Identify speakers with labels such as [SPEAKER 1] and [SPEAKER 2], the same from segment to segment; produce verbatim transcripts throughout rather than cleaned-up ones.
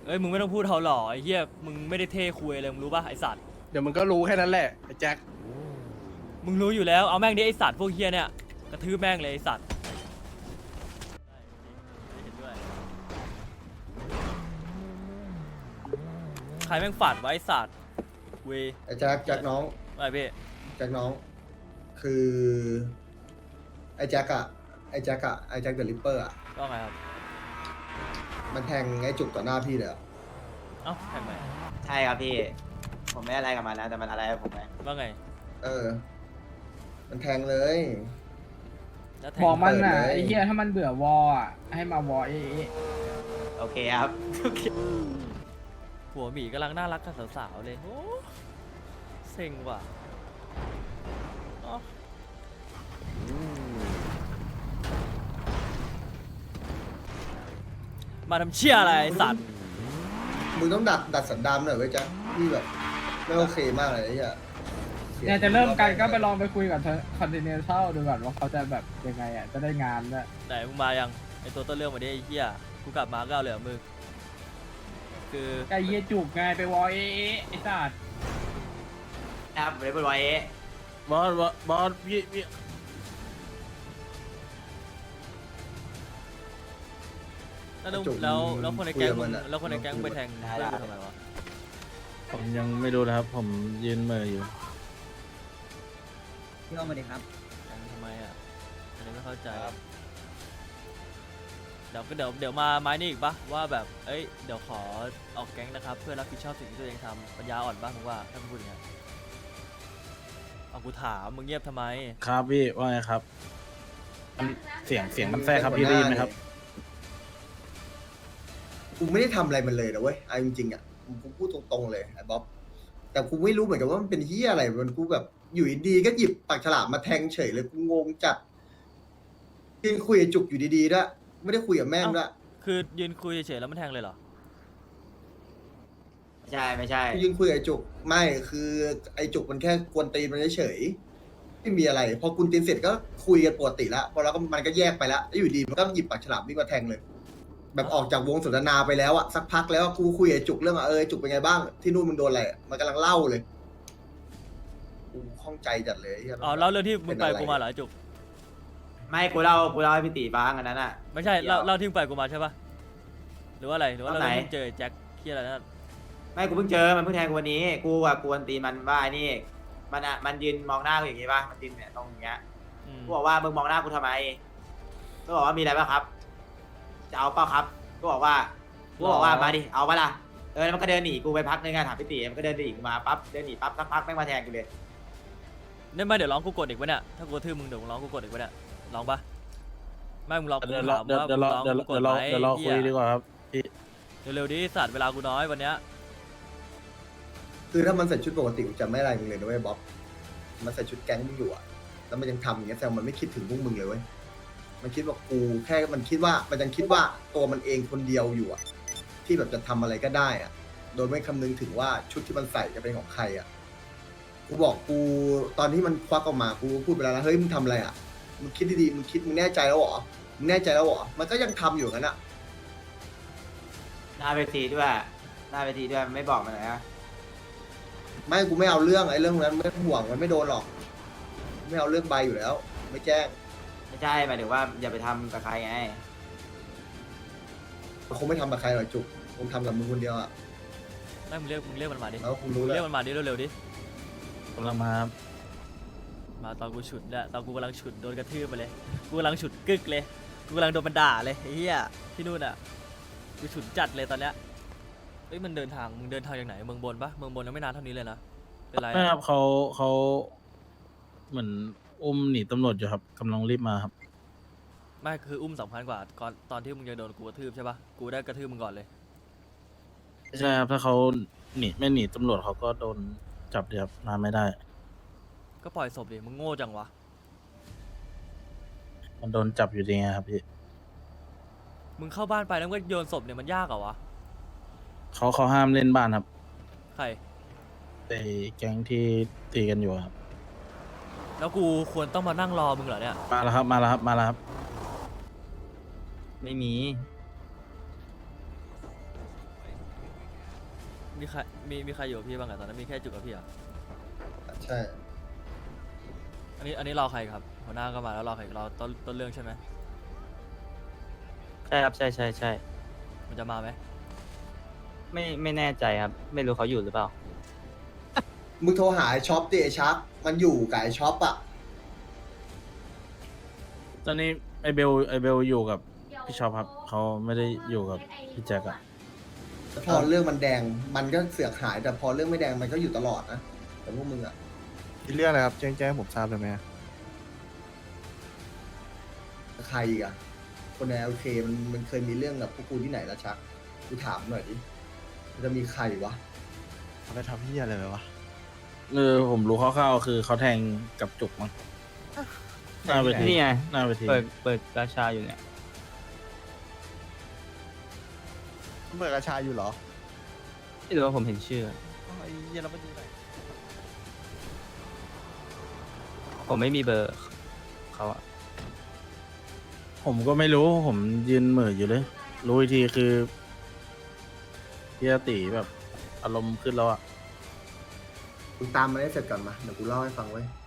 [SPEAKER 1] เอ้ยมึงไม่ต้องพูดเขาหล่อไอ้เหี้ยมึงไม่ได้เท่คุยเลยมึงรู้ป่ะไอสัตว์
[SPEAKER 2] เดี๋ยวมึงก็รู้แค่นั้นแหละไอ้แจ็ค
[SPEAKER 1] มึงรู้อยู่แล้วเอาแม่งดิไอสัตว์พวกเหี้ยเนี่ยกระทืบแม่งเลยไอสัตว์ใครแม่งฝัดไว้ไอสัตว์เวย
[SPEAKER 3] ไอ้แจ็คแจ็คน้อง
[SPEAKER 1] อะไรพี่
[SPEAKER 3] แจ็คน้อง คือไอ้แจ็คอะไอ้แจ็คอะไอ้แจ็คเดอะริปเปอร์อะ
[SPEAKER 1] ก็ไงครับ
[SPEAKER 3] มันแทงไอ้จุกต่อหน้าพี่เลยอะ
[SPEAKER 1] เอ้าแข่งไหม
[SPEAKER 4] ใช่ครับพี่ ผมไม่อะไรกับมันนะแต่มันอะไรกับผมไหม
[SPEAKER 1] ว่าไง
[SPEAKER 3] เออ มันแทงเลย
[SPEAKER 1] แล้วแท
[SPEAKER 5] บอง กมันน่ะ
[SPEAKER 3] เปิดเลย
[SPEAKER 5] ไอ้เหี้ยถ้ามันเบื่อวออ่ะให้มาวอเอ๊ะ
[SPEAKER 4] โอเคครับ
[SPEAKER 1] ผัวหมีกำลังน่ารักกับสาวๆเลยโอ้เซ็งว่ะอ๋อมาทำเชี่ยอะไรไอ้สัตว์
[SPEAKER 3] มึงต้องดัดดัดสันดานหน่อยไว้ยแจ็คพี่แบบไม่โอเคมากเลยไอ้เหี้ยสี
[SPEAKER 5] เนี่ยจะเริ่มกันก็ไปลองไปคุยกับคอนเทนเนอร์เช่าดูก่อนว่าเขาจะแบบยังไงอ่ะจะได้งานด้วย
[SPEAKER 1] ไหนมึงมายังไอตัวต้นเรื่องมาดิไอ้เหี้ยกูกลับมาก็เอาเลยเหรอมึงคือ
[SPEAKER 5] ไอ้เหี้ยจุกไงไปวอเอ๊ะไอ้สัตว์
[SPEAKER 4] ครับเรเบิลไว้
[SPEAKER 2] บอสบอสบอสพี่พี่
[SPEAKER 1] แล้วแล้วแล้วคนในแก๊งมึงแล้วคนในแก๊งมึงไปแทงเพื่อนกูทำไมวะ
[SPEAKER 6] ผมยังไม่รู้นะครับ ผมยืนเหมืออยู่
[SPEAKER 7] พี่อ้อมมาดิครับ
[SPEAKER 1] แทงทำไมอ่ะอันนี้ไม่เข้าใจเดี๋ยวก็เดี๋ยวเดี๋ยวมาไม้นี่อีกปะว่าแบบเอ้ยเดี๋ยวขอออกแก๊งนะครับเพื่อรับผิดชอบสิ่งที่ตัวเองทำปัญญาอ่อนปะมึงว่าถ้ามึงพูดอย่างเงี้ยเอากูถามมึงเงียบทำไม
[SPEAKER 6] ครับพี่ว่าไงครับมันเสียงเสียงมันแทรกครับพี่ได้ยินไหมครับ
[SPEAKER 3] กูไม่ได้ทำอะไรมันเลยนะเว้ยเอาจริงๆอะกูพูดตรงๆเลยไอ้บ๊อบแต่กูไม่รู้เหมือนกันว่ามันเป็นเหี้ยอะไรมันกูแบบอยู่ดีๆก็หยิบปากฉลามมาแทงเฉยเลยกูงงจัดยืนคุยกับจุกอยู่ดีๆด้วยไม่ได้คุยกับแม่งด้วย
[SPEAKER 1] คือยืนคุยเฉยๆแล้วมันแทงเลยเหรอ
[SPEAKER 4] ไม่ใช่ไม่ใช่
[SPEAKER 3] ยืนคุยกับไอ้จุกไม่คือไอ้จุกมันแค่กวนตีนมันเฉยๆไม่มีอะไร พอกุนตีนเสร็จก็คุยกันปกติแล้วพอแล้วก็มันก็แยกไปแล้วแล้วอยู่ดีมันก็หยิบปากฉลามวิ่งมาแทงเลย แบบออกจากวงสนทนาไปแล้วอะสักพักแล้วกูคุยกับไอ้จุกเรื่องว่าเออไอ้จุกเป็นไงบ้างที่นู่นมึงโดนอะไรอะมันกำลังเล่าเลยกูข้องใจจัดเลยไเหี้ย
[SPEAKER 1] อ๋อเล่าเรื่องที่มึงไป
[SPEAKER 3] เป็นอะไร
[SPEAKER 1] กูมาเหรอไอ้จุก
[SPEAKER 4] ไม่กูเล่ากูเล่าให้พี่ตีฟังอันนั้นอ่ะ
[SPEAKER 1] ไม่ใช่
[SPEAKER 4] เดี๋ยว
[SPEAKER 1] เล่าเล่าที่มึงไปกูมาใช่ปะหรือว่าอะไรหรือว่า
[SPEAKER 4] ตอน
[SPEAKER 1] เรา
[SPEAKER 4] ไหน
[SPEAKER 1] เพิ่งเจอไอ้แจ็คเคียอะไรนั่น
[SPEAKER 4] ไม่กูเพิ่งเจอมันเพิ่งแทงกูวันนี้ กูอะกวนตีนมันว่าไอ้นี่มันอะมันยืนมองหน้ากูอย่างงี้ป่ะมันยืนเนี่ยตรงอย่างเงี้ย
[SPEAKER 1] อืม
[SPEAKER 4] กูบอกว่ามึงมองหน้ากูทำไมกูบอกว่ามีอะไรป่ะครับ จะเอาเปล่าครับกูบอกว่ากูบอกว่ามาดิเอาปะล่ะเออแล้วมันก็เดินหนีกูไปพักนึงอะถามพี่ตีมันก็เดินหนีกูมาปั๊บเดินหนีปั๊บสักพักแม่งมาแทงกูเลย
[SPEAKER 1] เนี่ยไม่เดี๋ยวร้องกูกดอีกวะเนี่ยถ้ากูกระทืบมึงเดี๋ยวมึงร้องกูกดอีกวะเนี่ยร้องปะไม่มึงร้องกู
[SPEAKER 6] เดี๋ยวรอ
[SPEAKER 1] ถาม
[SPEAKER 6] เดี๋ยว
[SPEAKER 1] ว่า
[SPEAKER 6] เดี๋ยวรอ
[SPEAKER 1] มึงร้อง
[SPEAKER 6] เดี๋ยว
[SPEAKER 1] กูก
[SPEAKER 6] เดี๋
[SPEAKER 1] ด
[SPEAKER 6] ยวรอ
[SPEAKER 1] ไหม
[SPEAKER 6] เดี๋ยวรอคุยดีกว่าครับพี่
[SPEAKER 1] เร็วๆดิสัตว์เวลากูน้อยวันเนี้ย
[SPEAKER 3] คือถ้ามันใส่ชุดปกติกูจะไม่อะไรมึงเลยนะเว้ยบ๊อบมันใส่ชุดแก๊งมึงอยู่อะแล้วมันยังทำอย่างเงี้ยแซวมันไม่คิดถึงพวกมึงเลยเว้ยมันคิดว่ากูแค่มันคิดว่ามันยังคิดว่าตัวมันเองคนเดียวอยู่อะที่แบบจะทำอะไรก็ได้อะโดยไม่คำนึงถึงว่าชุดที่มันใส่จะเป็นของใครอะกูบอกกูตอนที่มันควักออกมากูพูดไปแล้วนะเฮ้ยมึงทำอะไรอะมึงคิดดีๆมึงคิดมึงแน่ใจแล้วเหรอมึงแน่ใจแล้วเหรอมันก็ยังทำอยู่งั้นอะ
[SPEAKER 4] หน้าเวทีด้วยหน้าเวทีด้วยไม่บอกมันเลยนะ
[SPEAKER 3] ไม่กูไม่เอาเรื่องไอ้เรื่องนั้นไม่ต้องห่วงมันไม่โดนหรอก ไม่เอาเรื่องใบอยู่แล้ว ไม่แจ้ง
[SPEAKER 4] ไม่ใช่หมายถึงว่าอย่าไปทำกับใครไง
[SPEAKER 3] คงไม่ทำกับใครหรอกจุกคงทำกับมึงคนเดียวอ่ะ
[SPEAKER 1] ไม่มึงเรียกมึงเรียกมันมาดิ
[SPEAKER 3] แล้วคงรู้
[SPEAKER 1] มึง
[SPEAKER 3] แล้
[SPEAKER 1] เรียว กมันมาดิเร็วๆดิ
[SPEAKER 6] กำลังมาครับ
[SPEAKER 1] มาตอนกูฉุดเนี่ยตอนกูกำลังฉุดโดนกระทืบไปเลยกูกำลังฉุดกึกเลยกูกำลังโดนมันด่าเลยไอ้เหี้ยที่นู่นอ่ะกูฉุดจัดเลยตอนเนี้ยเอ้ยมันเดินทางมึงเดินทางจากไหนเมืองบนปะเมืองบนยังไม่นานเท่านี้เลยนะเป็นไร
[SPEAKER 6] ไม่
[SPEAKER 1] อะ
[SPEAKER 6] ครับเขาเขาเหมือนอุ้มหนีตำรวจอยู่ครับกำลังรีบมาครับ
[SPEAKER 1] ไม่คืออุ้มสำคัญกว่าก่อนตอนที่มึงจะโดนกูกระทืบใช่ปะกูได้กระทืบมึงก่อนเลย
[SPEAKER 6] ใช่ครับถ้าเขาหนีไม่หนีตำรวจเขาก็โดนจับเดียครับนานไม่ได้
[SPEAKER 1] ก็ปล่อยศพดิมึงโง่จังวะ
[SPEAKER 6] มันโดนจับอยู่ดีไงครับพี่
[SPEAKER 1] มึงเข้าบ้านไปแล้วก็โยนศพเนี่ยมันยากเหรอวะ
[SPEAKER 6] เขาเขาห้ามเล่นบ้านครับ
[SPEAKER 1] ใคร
[SPEAKER 6] ไอ้แก๊งที่ตีกันอยู่ครับ
[SPEAKER 1] แล้วกูควรต้องมานั่งรอมึงเหรอเนี่ย
[SPEAKER 6] มาแล้วครับมาแล้วครับมาแล้วครับ
[SPEAKER 4] ไม่มี
[SPEAKER 1] มมีใครมีมีใครอยู่กับพี่บ้างอะตอนนั้นมีแค่จุกกับพี่อะ
[SPEAKER 3] ใช่
[SPEAKER 1] อันนี้อันนี้รอใครครับหัวหน้าก็มาแล้วรอใครรอต้นต้นเรื่องใช่ไหม
[SPEAKER 7] ใช่ครับใช่ใช่ใช่
[SPEAKER 1] มันจะมาไหม
[SPEAKER 7] ไม่ไม่แน่ใจครับ ไม่รู้เขาอยู่หรือเปล่า
[SPEAKER 3] มึงโทรหาไอ้ช็อปดิไอ้ชักมันอยู่กับไอ้ช็อปอะ
[SPEAKER 6] ตอนนี้ไอเบลไอเบลอยู่กับพี่ชอบครับเขาไม่ได้อยู่กับพี่แจ็คอะ
[SPEAKER 3] แต่พอเรื่องมันแดงมันก็เสือกหาย แต่พอเรื่องไม่แดงมันก็อยู่ตลอดนะแต่พวกมึงอะ
[SPEAKER 2] มีเรื่องอะไรครับแจ้งแจ้งให้ผมทราบเลยไหม
[SPEAKER 3] ใครอีกอะคนในโอเคมันมันเคยมีเรื่องกับพวกกูที่ไหนละชักกูถามหน่อยดิมันจะมีใครวะ
[SPEAKER 2] เขาไปทำที่อะไรไปวะ
[SPEAKER 6] เออผมรู้คร่าวๆคือเขาแทงกับจุกมั้งหน้าเวที
[SPEAKER 7] นี่ไง
[SPEAKER 6] หน้าเวที
[SPEAKER 7] เปิดเปิดราชาอยู่เนี่ย
[SPEAKER 2] เบิกอาชาอยู่เหรอ
[SPEAKER 7] ไม่รู้ว่าผมเห็นชื่อ
[SPEAKER 2] ไอ้เหี้ยเราไม่ดูไหน
[SPEAKER 7] ผมไม่มีเบอร์เขาอะ
[SPEAKER 6] ผมก็ไม่รู้ผมยืนเหม่ออยู่เลย รู้อีกทีคือพี่อาติแบบอารมณ์ขึ้นแล้วอะ
[SPEAKER 3] มึงตามมาให้เสร็จก่อนมาเดี๋ยวกูเล่าให้ฟังไว้ย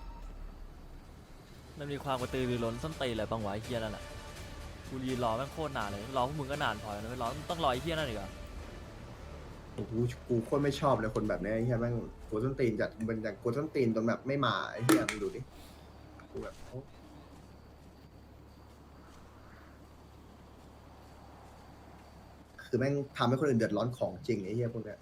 [SPEAKER 1] มันมีความกระตือรือร้นส้นตีนอะไรบ้างวะไอ้เฮียนั่นแหละกูยืนรอแม่งโคตรนานเลยรอพวกมึงก็นานพอแล้วนะไม่รอต้องรอไอ้เฮียนั่นอีกเหรอ
[SPEAKER 3] โอ้โหกูโคตรไม่ชอบเลยคนแบบเนี้ยไอ้เหี้ยแม่งกวนส้นตีนจัดเป็นอย่างกวนส้นตีนจนแบบไม่มาไอ้เหี้ยมึงดูดิกูแบบโอ้คือแม่งทำให้คนอื่นเดือดร้อนของจริงไอ้เหี้ยพวกเนี้ย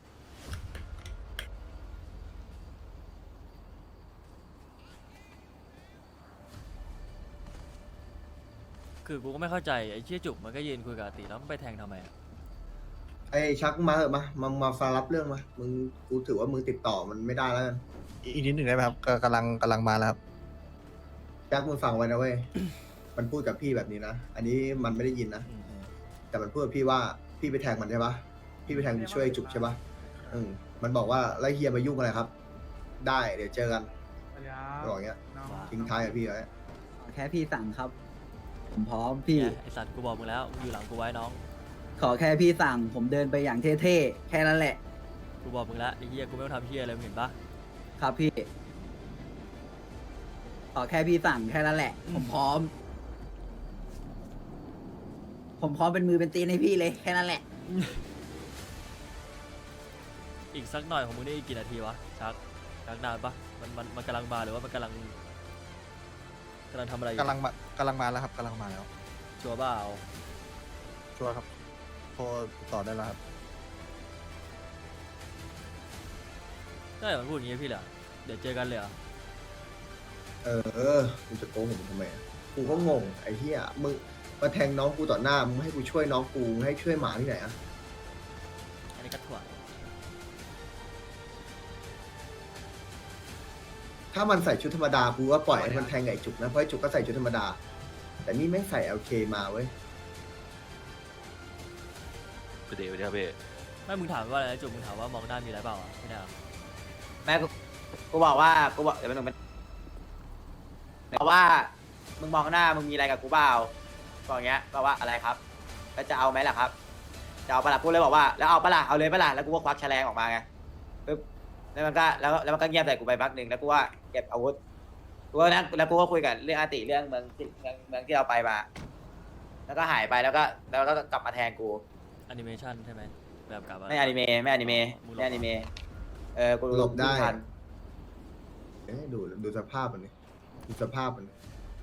[SPEAKER 1] คือกูก็ไม่เข้าใจไอ้เชี่ยจุกมันก็ยืนคุยกับอาติแล้วมันไปแทงทำไมอะ
[SPEAKER 3] ไอ้ชักมาเหอะมามามาฟังรับเรื่องมามึงกูถือว่ามึงติดต่อมันไม่ได้แล้วกัน
[SPEAKER 2] อีกนิดหนึ่งได้ไหมครับกกำลังกำลังมาแล้วครับ
[SPEAKER 3] ชักมึงฟังไว้นะเว้ย มันพูดกับพี่แบบนี้นะ อันนี้มันไม่ได้ยินนะ
[SPEAKER 1] อืมอืม
[SPEAKER 3] แต่มันพูดกับพี่ว่าพี่ไปแทงมันใช่ปะพี่ไปแทงช่วยจุกใช่ปะอืมมันบอกว่าแล้วเฮียมายุ่งอะไรครับ ได้เดี๋ยวเจอกันบอกอย่างเงี้ยทิ้งท้ายกับพี่ไว้
[SPEAKER 8] แค่พี่สั่งครับ ผมพร้อมพี่
[SPEAKER 1] เนี่ยไอสัตว์กูบอกมึงแล้วมึงอยู่หลังกูไว้น้อง
[SPEAKER 8] ขอแค่พี่สั่ง ผมเดินไปอย่างเท่ๆ แค่นั้นแหละ
[SPEAKER 1] กูบอกมึงแล้วไอ้เฮียกูไม่ต้องทำเฮียอะไรมึงเห็นปะ
[SPEAKER 8] ครับพี่ ขอแค่พี่สั่งแค่นั้นแหละ ผมพร้อม ผมพร้อมเป็นมือเป็นตีนให้พี่เลยแค่นั้นแหละ
[SPEAKER 1] อีกสักหน่อยของมึงได้อีกกี่นาทีวะชักชักนานปะมันมันมันกำลังมาหรือว่ามันกำลังกำลังทำอะไรอยู่
[SPEAKER 2] กำลังมากำลังมาแล้วครับกำลังมาแล้ว
[SPEAKER 1] ชัวร์เปล่า
[SPEAKER 2] ชัวร์ครับโทรติดต่อได้แล้วครับ
[SPEAKER 1] ได้มันพูดอย่างงี้พี่เหรอเดี๋ยวเจอกันเลยเหรอ
[SPEAKER 3] เออกูจะโกงมึงทำไมอะกูก็งงไอ้เหี้ยมึงมาแทงน้องกูต่อหน้ามึงให้กูช่วยน้องกูมึงให้ช่วยหมาที่ไหนอะ
[SPEAKER 1] อันนี้ก็ถั่ว
[SPEAKER 3] ถ้ามันใส่ชุดธรรมดากูว่าปล่อยให้มันแทงไก่จุกนะเพราะไอ้จุกก็ใส่ชุดธรรมดา แต่นี่แม่งใส่ แอล เค มาเว้ย
[SPEAKER 9] เดี๋ยวเดี๋ยวพี่
[SPEAKER 1] ไม่มึงถามว่าอะไรนะจุกมึงถามว่ามองหน้ามีอะไรเปล่าอ่ะไม่ได้เหรอ
[SPEAKER 4] แม่กูกูบอกว่ากูบอกเดี๋ยวมันมันบอกว่ามึงมองหน้ามึงมีอะไรกับกูเปล่าบอกอย่างเงี้ยบอกว่าอะไรครับแล้วจะเอาไหมล่ะครับจะเอาปะล่ะกูเลยบอกว่าแล้วเอาปะล่ะเอาเลยปะล่ะแล้วกูก็ควักแฉลงออกมาไงปึ๊บแล้วมันก็แล้วแล้วมันก็เงียบใส่กูไปพักหนึ่งแล้วกูว่าเก็บอาวุธกูก็นั่งแล้วกูก็คุยกันเรื่องอาติเรื่องเมืองที่เมืองเมืองที่เราไปมา แล้วก็หายไปแล้วก็แล้วก็กลับมาแทนกู
[SPEAKER 1] แอนิเมชันใช่ไหมแบบกลับ
[SPEAKER 4] ไม่อนิเมะไม่อนิเมะไม่อนิเมะเออกู
[SPEAKER 3] หลบได้
[SPEAKER 4] ทัน
[SPEAKER 3] เอ้ยดูดูสภาพมันนี่ดูสภาพมัน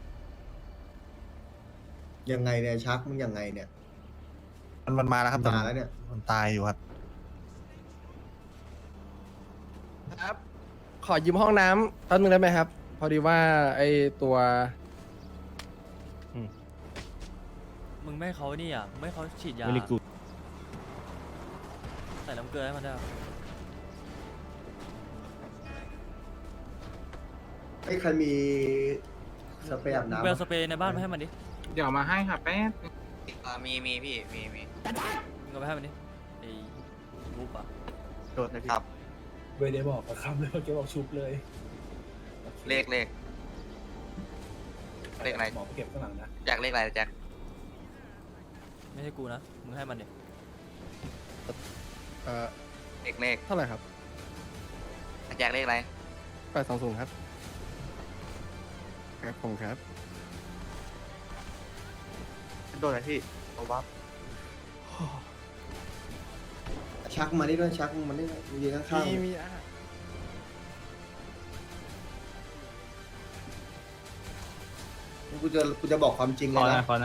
[SPEAKER 3] ยังไงเนี่ยชักมึงยังไงเนี่ย
[SPEAKER 2] มันมันมาแล้วครับแต่
[SPEAKER 3] มาแล้วเนี่ย
[SPEAKER 2] มันตายอยู่ครับ
[SPEAKER 10] ครับ ขอยืมห้องน้ำแป๊บนึงได้ไหมครับ พอดีว่าไอตัว
[SPEAKER 1] มึงไม่ให้เขานี่อ่ะมึงไม่ให้เขาฉีดยา
[SPEAKER 6] ไม่ได้กู
[SPEAKER 1] ใส่น้ำเกลือให้มันได้ปะ
[SPEAKER 3] ไอ้ยใครมีสเปรย์อาบ
[SPEAKER 1] มึง
[SPEAKER 3] น้ำ
[SPEAKER 1] ไปเอา
[SPEAKER 3] ปะ
[SPEAKER 1] สเปรย์ในบ้านมาให้มันดิ
[SPEAKER 5] เดี๋ยวมาให้ค่ะแป๊บ
[SPEAKER 9] มีมีพี่มีมี
[SPEAKER 1] มึงเอาไปให้มันดิไอ้รูปอ่ะ
[SPEAKER 2] โดนนะพี่
[SPEAKER 9] ครับ
[SPEAKER 2] ไม่ได้บอกคำเลยเมื่อกี้บอกชุบเลย
[SPEAKER 9] เลขเลขเลขอะไร
[SPEAKER 2] หมอเก็บข้างหลังนะ
[SPEAKER 9] แจ็คเลขอะไรแจ็ค
[SPEAKER 1] ไม่ใช่กูนะมึงให้มันดิ
[SPEAKER 2] เอ่อ
[SPEAKER 9] เลขเลข
[SPEAKER 10] เท่าไหร่ครับ
[SPEAKER 9] แจ็คเลขอะไร
[SPEAKER 10] แปดสองศูนย์ครับครับผมครับ
[SPEAKER 2] โดนอะไรพี่เอาวับ
[SPEAKER 3] ชักมานี่ด้วยชักมานี่ด้วยยืนข้าง
[SPEAKER 10] มีมีอ่ะ
[SPEAKER 3] ๆกูจะกูจะบอกความจริง
[SPEAKER 7] ข
[SPEAKER 3] เล
[SPEAKER 7] อย นะ
[SPEAKER 3] นะ
[SPEAKER 7] ขอนะ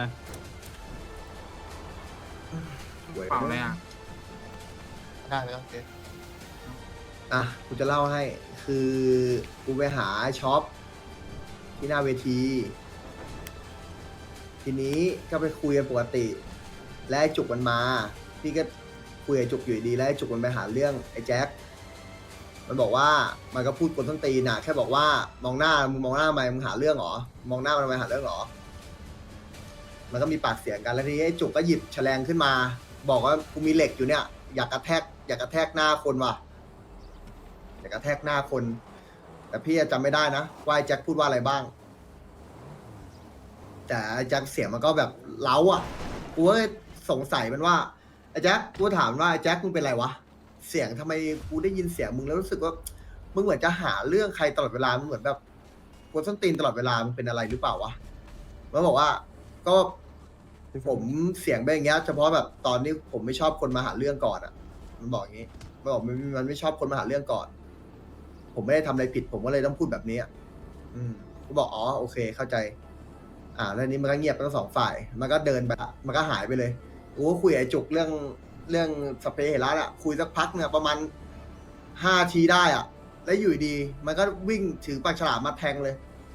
[SPEAKER 3] เว้ย
[SPEAKER 10] เปล่าเลยอ่ะ
[SPEAKER 2] ได้เลยโอเค
[SPEAKER 3] อ่ะกูจะเล่าให้ คือกูไปหาช็อปที่หน้าเวที ทีนี้ก็ไปคุยกันปกติ และไอ้จุกมันมา พี่ก็คุยกับจุกอยู่ดีแล้วไอ้จุกมันไปหาเรื่องไอ้แจ็ค มันบอกว่ามันก็พูดกวนต้นตีนน่ะแค่บอกว่ามองหน้ามึงมองหน้าทำไมมึงหาเรื่องเหรอมองหน้ามันทำไมหาเรื่องเหรอ มันก็มีปากเสียงกันแล้วทีนี้ไอ้จุกก็หยิบแฉลงขึ้นมา บอกว่ากูมีเหล็กอยู่เนี่ย อยากกระแทกอยากกระแทกหน้าคนว่ะอยากกระแทกหน้าคน แต่พี่จำไม่ได้นะว่าไอ้แจ็คพูดว่าอะไรบ้าง แต่ไอ้แจ็คเสียงมันก็แบบเล้าอ่ะกูก็สงสัยมันว่าไอ้แจ็คกูถามว่าไอ้แจ็คมึงเป็นไรวะเสียงทำไมกูได้ยินเสียงมึงแล้วรู้สึกว่ามึงเหมือนจะหาเรื่องใครตลอดเวลามึงเหมือนแบบกวนส้นตีนตลอดเวลามึงเป็นอะไรหรือเปล่าวะมันบอกว่าก็ผมเสียงเป็นอย่างเงี้ยเฉพาะแบบตอนนี้ผมไม่ชอบคนมาหาเรื่องก่อนอ่ะ มันบอกอย่างงี้มันบอกมันมันไม่ชอบคนมาหาเรื่องก่อน ผมไม่ได้ทำอะไรผิด ผมก็เลยต้องพูดแบบนี้อ่ะอืมกูบอกอ๋อโอเคเข้าใจ อ่าแล้วนี้มันก็เงียบทั้งสองฝ่าย มันก็เดินไปละมันก็หายไปเลยกูก็คุยกับไอ้จุกเรื่องเรื่องสเปรย์เฮลัสอ่ะคุยสักพักเนี่ยประมาณห้าทีได้อ่ะ แล้วอยู่ดีมันก็วิ่งถือปากฉลามมาแทงเลย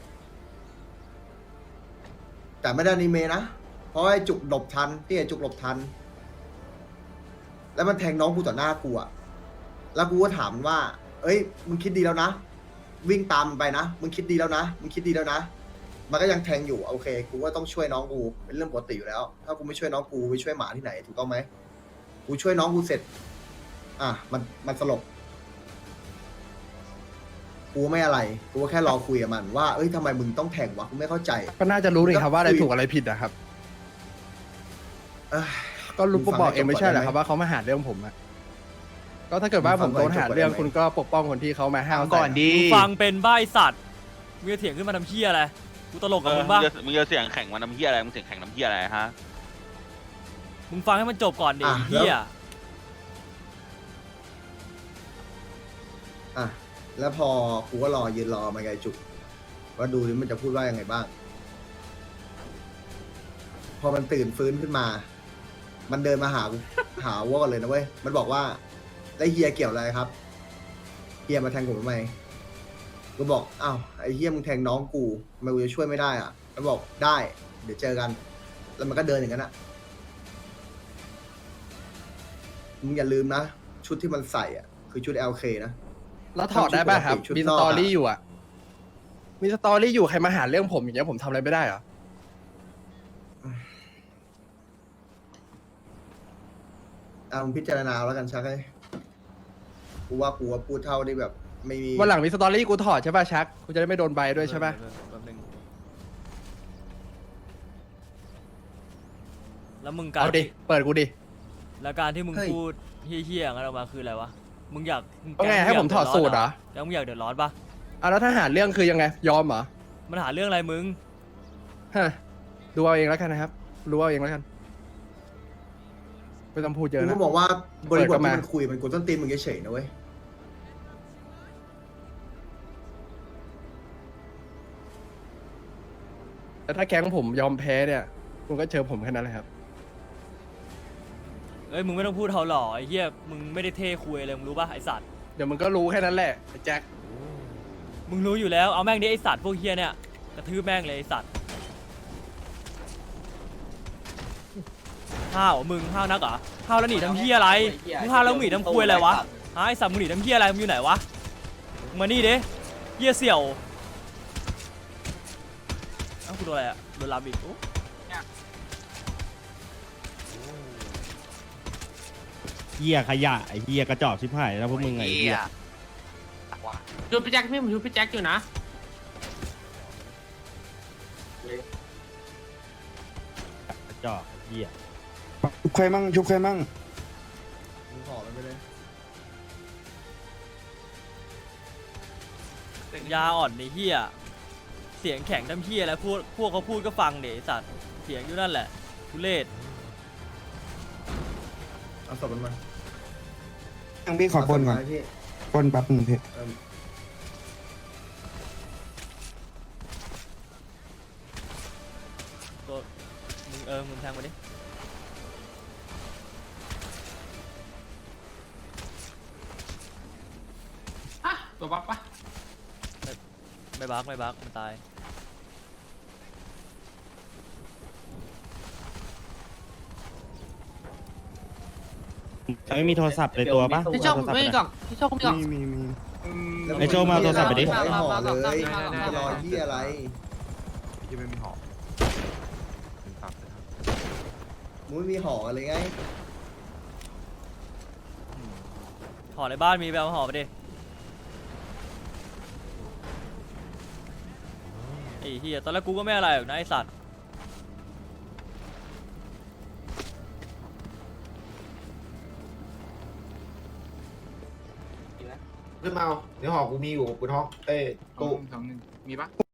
[SPEAKER 3] แต่ไม่ได้อนิเมะนะเพราะไอ้จุกหลบทันที่ไอ้จุกหลบทัน แล้วมันแทงน้องกูต่อหน้ากูอ่ะ แล้วกูก็ถามมันว่า เอ้ย มึงคิดดีแล้วนะ วิ่งตามมันไปนะ มึงคิดดีแล้วนะ มึงคิดดีแล้วนะ มันก็ยังแทงอยู่ โอเค กูก็ต้องช่วยน้องกู เป็นเรื่องปกติอยู่แล้ว ถ้ากูไม่ช่วยน้องกูไปช่วยหมาที่ไหน ถูกต้องไหม กูช่วยน้องกูเสร็จ อ่ะ มัน มันสลบ กูไม่อะไร กูก็แค่รอคุยกับมันว่า เอ้ยทำไมมึงต้องแทงวะ กูไม่เข้าใจ
[SPEAKER 10] ก็น่าจะรู้นี่ครับว่าอะไรถูกอะไรผิดอะครับ
[SPEAKER 3] เอ้ย
[SPEAKER 10] ก็รู้ก็บอกเองไม่ใช่เหรอ
[SPEAKER 3] ฟังให้จบก่อนได้ไหม
[SPEAKER 10] ครับว่าเขามาหาเรื่องผมอะก็ถ้าเกิดว่าผมโดนหาเรื่องคุณก็ปกป้องคนที่เขามาห้าวใส่
[SPEAKER 9] ก่อนดี
[SPEAKER 1] มึงฟังเป็นบ้าไอ้สัตว์มึงจะเถียงขึ้นมาทำเหี้ยอะไรกูตลกกับมึงบ้าง
[SPEAKER 9] มึงจะเสียงแข่งมันน้ำเฮียอะไรมึงเสียงแข่งน้ำเฮียอะไรฮะ
[SPEAKER 1] มึงฟังให้มันจบก่อนดิ
[SPEAKER 3] อ่ะ
[SPEAKER 1] ไอ้เหี้ย
[SPEAKER 3] อ่ะ แล้วพอกูก็รอยืนรอมันไงจุกว่าดูดิมันจะพูดว่ายังไงบ้าง พอมันตื่นฟื้นขึ้นมา มันเดินมาหากู หาว่ากันเลยนะเว้ย มันบอกว่าแล้วเฮียเกี่ยวอะไรครับ เฮียมาแทงผมทำไม กูบอก อ้าว ไอ้เฮียมึงแทงน้องกูทำไมกูจะช่วยไม่ได้อ่ะ มันบอกได้ เดี๋ยวเจอกัน แล้วมันก็เดินอย่างนั้นอ่ะ มึงอย่าลืมนะ ชุดที่มันใส่อ่ะ คือชุด แอล เค นะ
[SPEAKER 10] แล้วถอดได้ป่ะครับ
[SPEAKER 3] ชุด
[SPEAKER 10] มี
[SPEAKER 3] น
[SPEAKER 10] ส
[SPEAKER 3] อก
[SPEAKER 10] ต
[SPEAKER 3] อะ
[SPEAKER 10] อรี่อยู่อะมีสตอรี่อยู่ใครมาหาเรื่องผมอย่างเงี้ยผมทำอะไรไม่ได้เหรอ
[SPEAKER 3] อ่ะมึงพิจารณาแล้วกันชักเลยกูว่ากูว่าพูดเท่าที่แบบ ไม่มี
[SPEAKER 10] วันหลังมีสตอรี่กูถอดใช่ป่ะชักกูจะได้ไม่โดนใบด้วยใช่ป่ะ
[SPEAKER 1] แป๊บนึงแล้วมึงการ
[SPEAKER 10] เอาดิเปิดกูดิ
[SPEAKER 1] แล้วการที่มึง
[SPEAKER 3] เฮ้ย
[SPEAKER 1] พูดเหี้ยๆอย่างนั้นออกมาคืออะไรวะ มึงอยาก
[SPEAKER 10] ว่าไงให้ผมถอดสูตรเหรอ
[SPEAKER 1] แกมึงอยากเดือดร้อนปะ
[SPEAKER 10] อ่ะแล้วถ้าหาเรื่องคือยังไงยอมเหรอ
[SPEAKER 1] มันหาเรื่องอะไรมึง
[SPEAKER 10] ฮะดูเอาเองแล้วกันนะครับรู้เอาเองแล้วกันไม่ต้องพูดเย
[SPEAKER 3] กู
[SPEAKER 10] อะนะ
[SPEAKER 3] ก็บอกว่าบริบท
[SPEAKER 10] เปิดเข้า
[SPEAKER 3] ที่
[SPEAKER 10] มา
[SPEAKER 3] มันคุยมันกดต้นตีนมึงเฉยๆนะเว้ย
[SPEAKER 10] แต่ถ้าแก๊งผมยอมแพ้เนี่ยคุณก็เจอผมแค่นั้นแหละครับ
[SPEAKER 1] เอ้ยมึงไม่ต้องพูดเขาหล่อไอ้เหี้ยมึงไม่ได้เท่คุยเลยมึงรู้ปะไอ้สัตว์
[SPEAKER 10] เดี๋ยวมึงก็รู้แค่นั้นแหละไอ้แจ็ค
[SPEAKER 1] มึงรู้อยู่แล้วเอาแม่งดิไอ้สัตว์พวกเหี้ยเนี่ยกระทืบแม่งเลยไอ้สัตว์ห้าวเหรอมึงห้าวนักเหรอห้าวแล้วหนีทำเหี้ยอะไรมึงห้าวแล้วหนีทำคุยอะไรวะฮะไอ้สัตว์มึงหนีทำเหี้ยอะไรมึงอยู่ไหนวะมึงมานี่ดิเหี้ยเสี่ยวเอ้ากูโดนอะไรอะโดนลามอีกโอ้
[SPEAKER 6] เฮียขยะไอเฮียกระจอกชิบหายแล้วพวกมึงไงเฮีย
[SPEAKER 5] ดูพี่แจ็คพี่ผมดูพี่แจ็คอยู่นะ
[SPEAKER 6] กระจอกเฮีย
[SPEAKER 2] ชุบใครมั่งชุบใครมั่ง
[SPEAKER 3] มึงขอมันไปเลย
[SPEAKER 1] ยาอ่อนในเฮียเสียงแข็งทำเฮียแล้วพวกพวกเขาพูดก็ฟังเดี๋ยวไอ้สัตว์เสียงอยู่นั่นแหละทุเรศ
[SPEAKER 3] เอาศพมันมา
[SPEAKER 11] ยังพี่ขอปนก่อน
[SPEAKER 3] เาศพมาให้พี่
[SPEAKER 11] ปนแป๊บหนึงพี่
[SPEAKER 3] เอิ่ม
[SPEAKER 1] ตัวมึงเออมึงแทงมาดิ
[SPEAKER 5] ตัวบัฟปะ
[SPEAKER 1] ไม่บักไม่บักมันตาย
[SPEAKER 6] ไม่มีโทรศัพท์ในตัวปะ
[SPEAKER 10] พี่โชคไม่กล่องพี่โชคมีกล่อง
[SPEAKER 11] มีมีมี
[SPEAKER 3] แล้ว
[SPEAKER 6] ไอ้โจ้มาเอาโทรศัพท์ไปดิ
[SPEAKER 3] ขอให้ห่อเลย
[SPEAKER 10] ได้ได้ได้
[SPEAKER 3] จะรอที่อะไร
[SPEAKER 2] ยังไม่มีหอกถึงตับเลยครับ
[SPEAKER 3] มึงไม่มีห่อกันเลยไง
[SPEAKER 1] ห่อในบ้านมีไปเอาห่อไปดิไอ้เฮียตอนแรกกูก็ไม่อะไรหรอกนะไอสัตว์
[SPEAKER 10] ขึ้นมาเอาเดี๋ยวห่อกูมีอยู่กูท้องเอ้ตู้
[SPEAKER 5] สองหนึ่งมีปะ